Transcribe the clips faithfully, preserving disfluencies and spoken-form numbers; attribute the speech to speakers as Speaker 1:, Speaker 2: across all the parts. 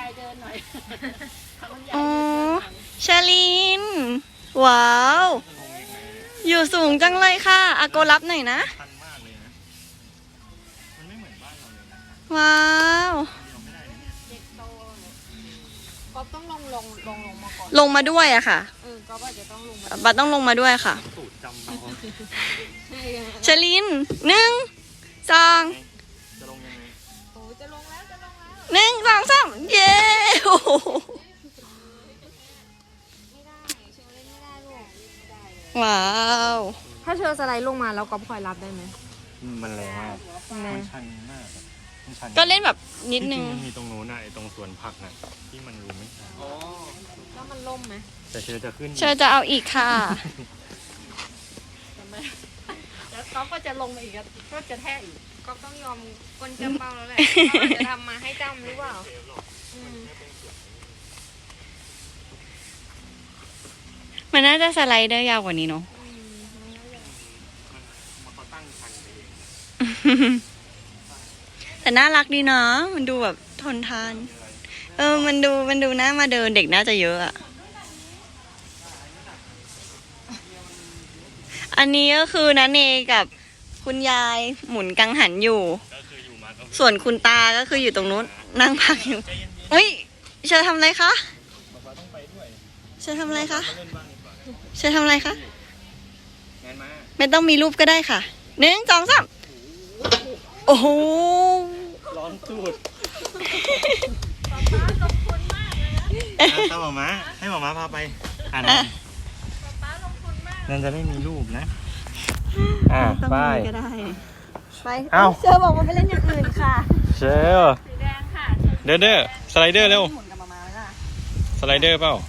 Speaker 1: ายเดินหน่อย
Speaker 2: อ๋อชาลินว้าวอยู่สูงจังเลยค่ะอาโกรับหน่อยนะ
Speaker 3: ชันมากเลยนะมันไม่เหมือนบ้านเราเลยนะ
Speaker 2: ว้าว
Speaker 3: เราไม่ได้นะเนี่ย
Speaker 1: เด็กโตก็ต้องลงลงลงลงมาก่อน
Speaker 2: ลงมาด้วยอะค่ะ
Speaker 1: เออก็ว่าจะต้องลงมา
Speaker 2: บัตต้องลงมาด้วยค่ะ
Speaker 3: สูตรจำเรา
Speaker 2: ชลินหนึ่งสอง
Speaker 3: จะลงยังไง
Speaker 1: โอ้จะลงแล้วจะลงแล้ว
Speaker 2: หนึ่งสองสามเย้โอ้โห
Speaker 1: ไม่ได้เชลเล่นไม่ได้ลูกไม่ได้เลย
Speaker 2: ว้าว
Speaker 1: ถ้าเชลสไลด์ลงมาแล้วก็คอยรับได้ไหม
Speaker 3: มันแรงมากมันชันมากมันชัน
Speaker 2: ก็เล่นแบบนิดนึง
Speaker 3: มันมีตรงโน้นน่ะไอ้ตรงสวนผักน่ะที่มันรู้ไหมอ๋อ
Speaker 1: แล้วมันล่มไหม
Speaker 3: แต่เชลจะขึ้น
Speaker 2: เชลจะเอาอีกค่ะ
Speaker 1: แล้วก๊อฟก็จะลงมาอีกก็จะแท้อีกก๊อฟต้องยอมคนจำเป้าแล้วแหละจะทำมาให้จำหรือเปล่า
Speaker 2: มันน่าจะสไลด์ได้ยาวกว่านี้เนาะแต่น่ารักดีนะมันดูแบบทนทานเออมันดูมันดูน่ามาเดินเด็กน่าจะเยอะอะอันนี้ก็คือนันเนกับคุณยายหมุนกังหันอยู่ส่วนคุณตาก็คืออยู่ตรงนู้นนั่งพักอยู่อุ้ยเชอทำอะไรคะเชอทำอะไรคะเชอทำอะไรคะไม่ต้องมีรูปก็ได้ค่ะหนึ่งสองสามโอ้โห
Speaker 3: ร้อนตูดตามหมอม้าให้หมอม้าพาไปอ่านนั่นจะไม่มีรูปนะอ่าไป
Speaker 2: ก็ได้ไป
Speaker 3: เอ้า
Speaker 2: เชอบอกว่าไปเล่นอย่างอื่นค่ะ
Speaker 3: เชล
Speaker 1: สีแดงค่ะ
Speaker 3: เด้อเด้อสไลเดอร์เร็วสไลเดอร์เปล่า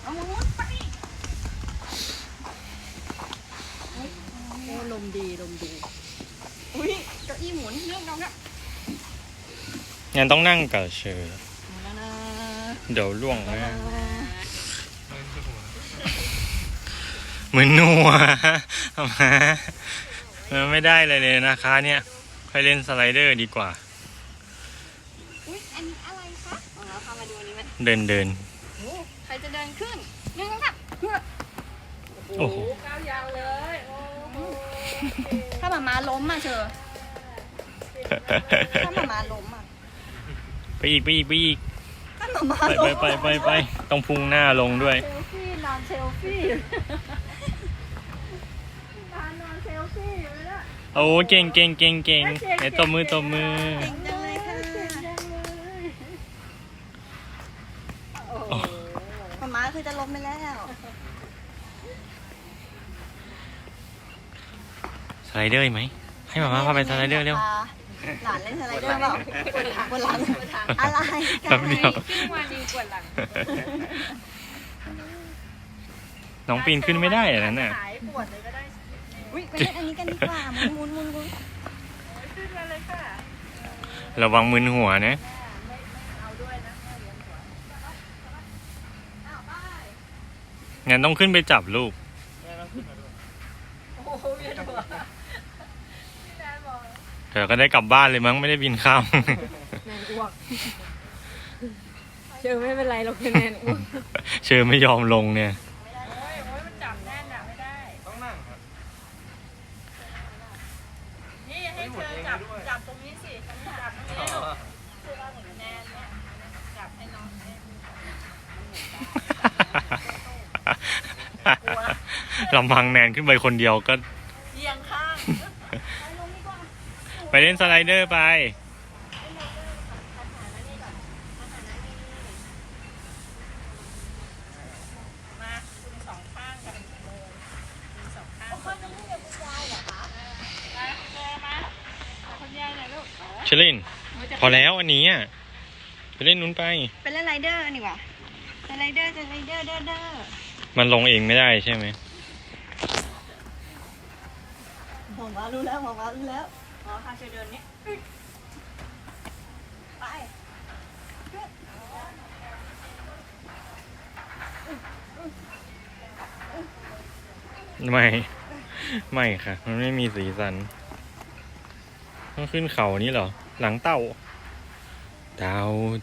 Speaker 2: โอ้ลมดีลมดีอุ้ยเก้าอี้หมุนเรื่องน้องอะ
Speaker 3: งั้นต้องนั่งกับเชลเดี๋ยวล่วงนะเหมือนนัวทำไมมันไม่ได้เลยเลยนะคะเนี่ยไปเล่นสไลเดอร์ดีกว่า
Speaker 2: อุ๊ยอันนี้อะไรคะเราพามาดูอันนี้ไหม
Speaker 3: เดินเดิน
Speaker 2: ใครจะเดินขึ้นหนึ่งสองสาม
Speaker 3: โอ้โห
Speaker 1: ก้าวยาวเลย
Speaker 2: ถ้าหมามาล้มอ่ะเชอถ้าหมามาล้มอ่ะ
Speaker 3: ไปอีกไปอีกไปอีก
Speaker 2: ถ้าหมามา
Speaker 3: ล้มไปไปไปไปต้องพุ่งหน้าลงด้วย
Speaker 1: เซลฟี่นอนเซลฟี่
Speaker 3: โอ้เก่งเก่งเก่งเก่งไอ้ตบมือตบมือ
Speaker 2: เก่งจังเลยค่ะหมามาคือจะล้มไปแล้ว
Speaker 3: สไลเดอร์ไหมให้หมามาพาไปสไลเดอร์เร็ว
Speaker 2: หลานเล่นสไลเดอร์เปล่าปวดหลังอะไร
Speaker 3: กันเดียว
Speaker 1: ขึ้นมาดีปวดหลัง
Speaker 3: น้องปีนขึ้นไม่ได้อย่างนั้นน่ะ
Speaker 1: ปวดเลยก็ได้
Speaker 2: อุ้ยไปเล่นอันนี้กันดีกว่าหมุนหมุนหมุนหมุน
Speaker 1: ขึ้นมาเลยค่ะ
Speaker 3: ระวังมึนหัวนะงั้นต้องขึ้นไปจับลูกเธอก็ได้กลับบ้านเลยมั้งไม่ได้บินข้าม
Speaker 1: แนนอ้วกเชอไม่เป็นไรเราคือแนนอ้วก
Speaker 3: เชอไม่ยอมลงเนี่ย
Speaker 1: จับตรงนี้สิจับตรงนี้ลูกแนนเนี่ยจับให้น้อง
Speaker 3: ลำพังแนนขึ้นไปคนเดียวก็
Speaker 1: เอียงข้าง
Speaker 3: ไปเล่นสไลเดอร์ไป
Speaker 1: มาคุณสองข้างกันเลยคุณสองข้างคนจะไม่เรียกคุณยายเหรอคะมาเจอมาคุณยายหน่อยลูก
Speaker 3: เชลินพอแล้วอันนี้อ่ะไปเล่นนู้นไป
Speaker 2: ไปเล่นไรเดอร์นี่หว่าสไลเดอร์สไลเดอร์เด้อเด้อ
Speaker 3: มันลงเองไม่ได้ใช่ไหม
Speaker 2: หมอมารู้แล้วหมอมารู้แล้วหมอพาเชอเดินนี้ไป
Speaker 3: ไม่ไม่ค่ะมันไม่มีสีสันต้องขึ้นเขานี้เหรอหลังเต่าเต่า